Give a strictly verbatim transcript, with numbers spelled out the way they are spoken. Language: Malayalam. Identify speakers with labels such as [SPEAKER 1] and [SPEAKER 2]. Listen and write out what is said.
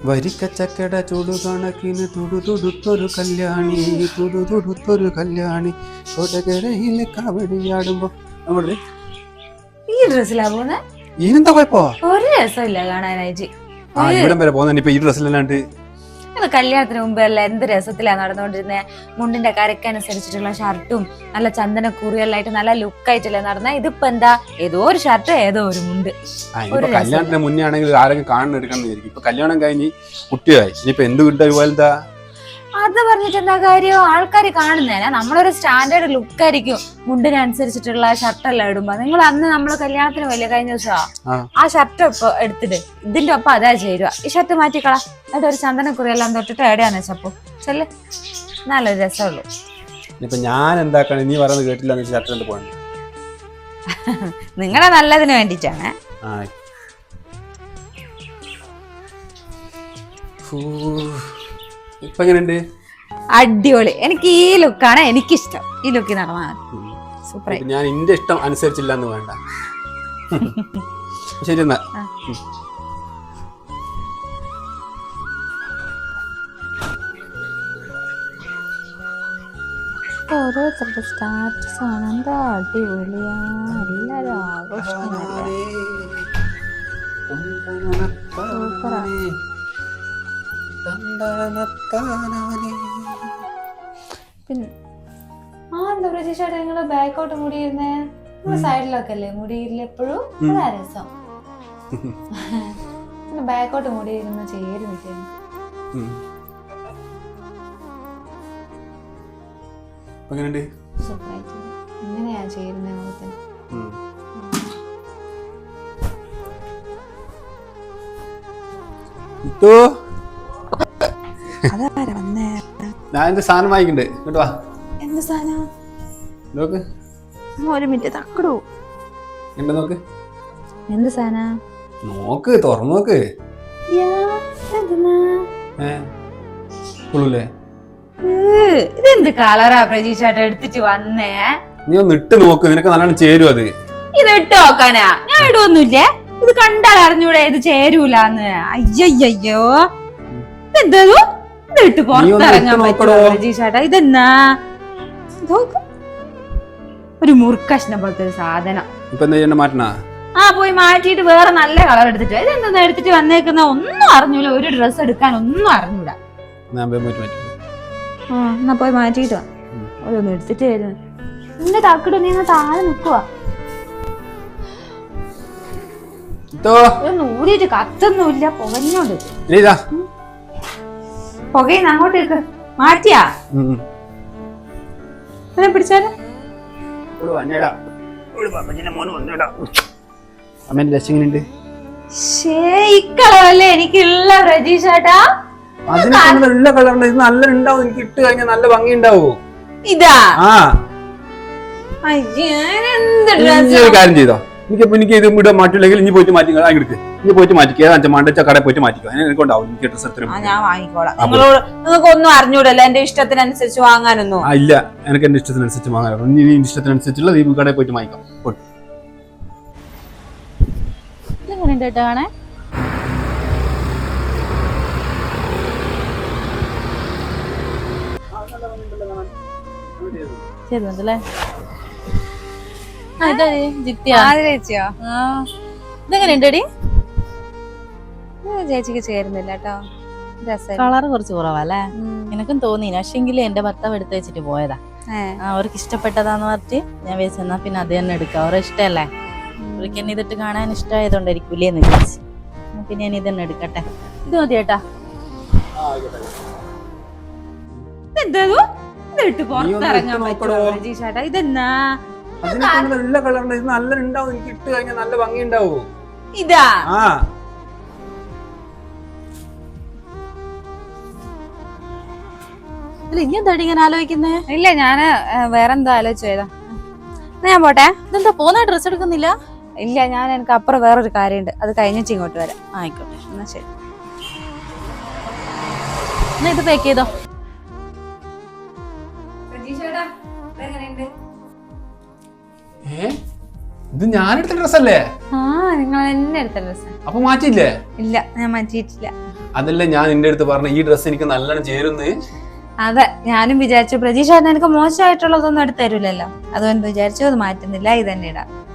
[SPEAKER 1] വരിക്കച്ചക്കട ചൂടു കണക്കിന് തുടുതുടുത്തൊരു കല്യാണി തുടുതുടുത്തൊരു കല്യാണി കൊടകരയിലെ കാവടിയാടുമ്പോ നമ്മുടെ
[SPEAKER 2] ഈ ഡ്രസ്സിലാ പോന്നെ
[SPEAKER 1] ഈനെന്താ കുഴപ്പോ
[SPEAKER 2] ഒരു രസമില്ല കാണാനായിട്ട്.
[SPEAKER 1] ആ ഇവിടം വരെ പോകുന്ന ഇപ്പൊ ഈ ഡ്രസ്സിലല്ലാണ്ട്
[SPEAKER 2] കല്യാണത്തിന് മുമ്പല്ല എന്ത് രസത്തിലാണ് നടന്നുകൊണ്ടിരുന്നത്. മുണ്ടിന്റെ കരക്കനുസരിച്ചിട്ടുള്ള ഷർട്ടും നല്ല ചന്ദന കുറിയെല്ലായിട്ട് നല്ല ലുക്കായിട്ടല്ലേ നടന്ന. ഇതിപ്പോ എന്താ ഏതോ ഒരു ഷർട്ട് ഏതോ ഒരു മുണ്ട്.
[SPEAKER 1] കല്യാണത്തിന് മുന്നേ ആണെങ്കിൽ ആരെങ്കിലും കാണുന്ന എടുക്കണം വിചാരിക്കും. ഇപ്പൊ കല്യാണം കഴിഞ്ഞ് കുട്ടിയായി ഇനിയിപ്പൊ എന്ത് കിട്ടാ പോലെന്താ
[SPEAKER 2] അത് പറഞ്ഞിട്ട് എന്താ കാര്യം? ആൾക്കാർ കാണുന്നേനാ നമ്മളൊരു സ്റ്റാൻഡേർഡ് ലുക്കായിരിക്കും മുണ്ടിനനുസരിച്ചിട്ടുള്ള ഷർട്ടെല്ലാം ഇടുമ്പോ. നിങ്ങൾ അന്ന് നമ്മള് കല്യാണത്തിന് വലിയ കഴിഞ്ഞ ദിവസാ ആ ഷർട്ട് ഇപ്പൊ എടുത്തിട്ട് ഇതിന്റെ ഒപ്പം അതാ ചേരുക. ഈ ഷർട്ട് മാറ്റിക്കളാ എന്നിട്ട് ഒരു ചന്ദനക്കുറിയെല്ലാം തൊട്ടിട്ട് എവിടെയാന്ന് വെച്ചപ്പോ ചെല്ല് നല്ലൊരു രസമുള്ളൂ.
[SPEAKER 1] ഇപ്പൊ ഞാൻ എന്താക്കണം നീ പറയുന്നത് കേട്ടില്ല ഷർട്ട് പോകണ്ട.
[SPEAKER 2] നിങ്ങളെ നല്ലതിന് വേണ്ടിട്ടാണ്.
[SPEAKER 1] ഇപ്പൊ എങ്ങനെയുണ്ട്?
[SPEAKER 2] അടിപൊളി. എനിക്ക് ഈ ലുക്കാണ് എനിക്കിഷ്ടം. ഈ ലുക്കിൽ നടന്നാൽ സൂപ്പർ.
[SPEAKER 1] ഞാൻ എന്റെ ഇഷ്ടം അനുസരിച്ചില്ല എന്ന് വേണ്ട. ശരി എന്നാ
[SPEAKER 2] ഓരോരുത്തരുടെ സ്റ്റാറ്റസ് ആണ്. എന്താ അടിപൊളിയാ, എല്ലാരും ആഘോഷിക്കുന്നല്ലേ. സൂപ്പറാ. പിന്നെ ആ എന്താ പ്രതീക്ഷയുടെ നിങ്ങള് ബാക്കോട്ട് മുടിയിരുന്നേ? സൈഡിലൊക്കെ അല്ലേ മുടിയില്ല എപ്പോഴും? അതാ രസം. ബാക്കോട്ട് മുടിയിരുന്ന ചേരി നിൽക്കുന്നു. സൂപ്പറായിട്ട് ഇങ്ങനെയാ ചേരുന്ന മുഖത്തിന്.
[SPEAKER 1] ഞാൻ എന്റെ സാധനം വാങ്ങിക്കണ്ടേ ഇങ്ങോട്ട് വാ.
[SPEAKER 2] എന്ത് സാധനം?
[SPEAKER 1] നോക്ക്
[SPEAKER 2] ഒരു മിനിറ്റ് തക്കടൂ.
[SPEAKER 1] എന്താ നോക്ക്.
[SPEAKER 2] എന്ത് സാധന?
[SPEAKER 1] നോക്ക് തുറന്നു നോക്ക്.
[SPEAKER 2] ഇതെന്ത് കളറാ പ്രതീക്ഷ എടുത്തിട്ട് വന്നേ?
[SPEAKER 1] നീ ഒന്ന് ഇട്ട് നോക്ക്, നിനക്ക് നല്ലോണം ചേരും അത്.
[SPEAKER 2] ഇത് ഇട്ട് നോക്കാനാ? ഞാൻ ഇടുവൊന്നുമില്ലേ. ഇത് കണ്ടാൽ അറിഞ്ഞൂടെ ഇത് ചേരൂലെന്ന്. അയ്യോ ഇതെന്തോ ഇത് ഇട്ട് പുറത്തിറങ്ങാൻ പറ്റുമോ പ്രതീക്ഷേട്ടാ? ഇതെന്നാ ഒരു മുറുക്കഷ്ണം പോലത്തെ ഒരു സാധനം.
[SPEAKER 1] ഇപ്പൊ എന്താ ചെയ്യണ്ട? മാറ്റണ?
[SPEAKER 2] ആ പോയി മാറ്റിയിട്ട് വേറെ നല്ല കളർ എടുത്തിട്ട്. ഇതെന്താ എടുത്തിട്ട് വന്നേക്കുന്ന? ഒന്നും അറിഞ്ഞൂല. ഒരു ഡ്രസ്സ് എടുക്കാൻ ഒന്നും അറിഞ്ഞൂടാ. എന്നാ പോയി മാറ്റിട്ട് വാ. ഓരോന്ന് എടുത്തിട്ട് വരുന്നു. എന്റെ തക്കിട്ട് നീ താഴെ നിക്കുവാ. ഊരിട്ട് കത്തൊന്നുമില്ല. പുകഞ്ഞോണ്ട് പുകയിന്ന് അങ്ങോട്ടേക്ക് മാറ്റിയാ പിടിച്ചാല് കളറല്ലേ എനിക്കുള്ള പ്രതീക്ഷേട്ടാ.
[SPEAKER 1] അതിനുള്ള കളറുണ്ട്. ഇത് നല്ല ഉണ്ടാവും. എനിക്ക് ഇട്ട് കഴിഞ്ഞാൽ നല്ല ഭംഗി ഉണ്ടാവും.
[SPEAKER 2] ഇതാ
[SPEAKER 1] കാര്യം ചെയ്തോ. എനിക്ക് എനിക്ക് ഇത് ഇവിടെ മാറ്റില്ലെങ്കിൽ ഇനി പോയിട്ട് മാറ്റി എടുക്ക്. ഇനി പോയിട്ട് മാറ്റിക്കുക. അഞ്ച് മണ്ടച്ച കടയിൽ പോയിട്ട് മാറ്റിക്കോ. എനിക്കുണ്ടാവും. എനിക്ക് ഡ്രസ് എടുത്തിട്ട്
[SPEAKER 2] ഞാൻ വാങ്ങിക്കോളാം. നിങ്ങളോട് നിങ്ങൾക്ക് ഒന്നും അറിഞ്ഞൂടല്ലോ എന്റെ ഇഷ്ടത്തിനനുസരിച്ച് വാങ്ങാനൊന്നും.
[SPEAKER 1] ഇല്ല, എനിക്ക് എന്റെ ഇഷ്ടത്തിനനുസരിച്ച് വാങ്ങാനോ. നീ ഇഷ്ടത്തിനനുസരിച്ചുള്ള ഈ കടയിൽ പോയിട്ട് വാങ്ങിക്കാം.
[SPEAKER 2] കാണേ ചേരുന്നുണ്ടല്ലേ. ഇതെങ്ങനെയുണ്ടടി? ചേച്ചിക്ക് ചേരുന്നില്ല കേട്ടോ.
[SPEAKER 3] കളറ് കുറച്ച് കുറവല്ലേ? എനിക്കും തോന്നി. പക്ഷെങ്കിൽ എന്റെ ഭർത്താവ് എടുത്ത് വെച്ചിട്ട് പോയതാ. അവർക്ക് ഇഷ്ടപ്പെട്ടതാന്ന് പറഞ്ഞിട്ട് ഞാൻ വെച്ചെന്നാ പിന്നെ അത് തന്നെ എടുക്കാം. അവരെ ഇഷ്ടല്ലേ. അവർക്ക് എന്നെ ഇതിട്ട് കാണാൻ ഇഷ്ടമായതുകൊണ്ടായിരിക്കൂലേ എന്ന് വിചാരിച്ചു. പിന്നെ ഞാൻ ഇതന്നെ എടുക്കട്ടെ. ഇത് മതി ചേട്ടാ.
[SPEAKER 2] പുറത്തിറങ്ങാൻ പറ്റുമോ പ്രതീക്ഷേട്ടാ? ഇതെന്നാ
[SPEAKER 1] നല്ല കളറുണ്ട്. ഇത് നല്ല ഉണ്ടാവും. എനിക്ക് ഇട്ട് കഴിഞ്ഞാൽ നല്ല ഭംഗി ഉണ്ടാവും.
[SPEAKER 2] ഇതാ
[SPEAKER 3] ഇനി എന്താ ഇങ്ങനെ ആലോചിക്കുന്നേ?
[SPEAKER 2] ഇല്ല, ഞാന് വേറെന്താ ആലോചിച്ചതാ. ഞാൻ പോട്ടെ.
[SPEAKER 3] ഇതെന്താ പോന്ന ഡ്രസ് എടുക്കുന്നില്ല?
[SPEAKER 2] ഇല്ല, ഞാൻ എനിക്ക് അപ്പുറം വേറൊരു കാര്യമുണ്ട്. അത് കഴിഞ്ഞിട്ട് ഇങ്ങോട്ട് വരാം.
[SPEAKER 3] ആയിക്കോട്ടെ,
[SPEAKER 2] എന്നാ ശരി.
[SPEAKER 3] എന്നാ ഇത് പാക്ക് ചെയ്തോ.
[SPEAKER 1] ഇത് ഞാനെടുത്ത ഡ്രസ്സല്ലേ?
[SPEAKER 2] ആ നിങ്ങൾ തന്നെ എടുത്ത ഡ്രസ്.
[SPEAKER 1] അപ്പൊ മാറ്റിയില്ലേ?
[SPEAKER 2] ഇല്ല, ഞാൻ മാറ്റിയിട്ടില്ല.
[SPEAKER 1] അതല്ല ഞാൻ നിന്റെ അടുത്ത് പറഞ്ഞ ഈ ഡ്രസ് എനിക്ക് നല്ലോണം ചേരുന്ന്.
[SPEAKER 2] അതെ, ഞാനും വിചാരിച്ചു പ്രതീക്ഷ എനിക്ക് മോശമായിട്ടുള്ളതൊന്നും എടുത്ത് തരൂലല്ലോ, അതുകൊണ്ട് വിചാരിച്ചു അത് മാറ്റുന്നില്ല, ഇത് തന്നെ ഇടാം.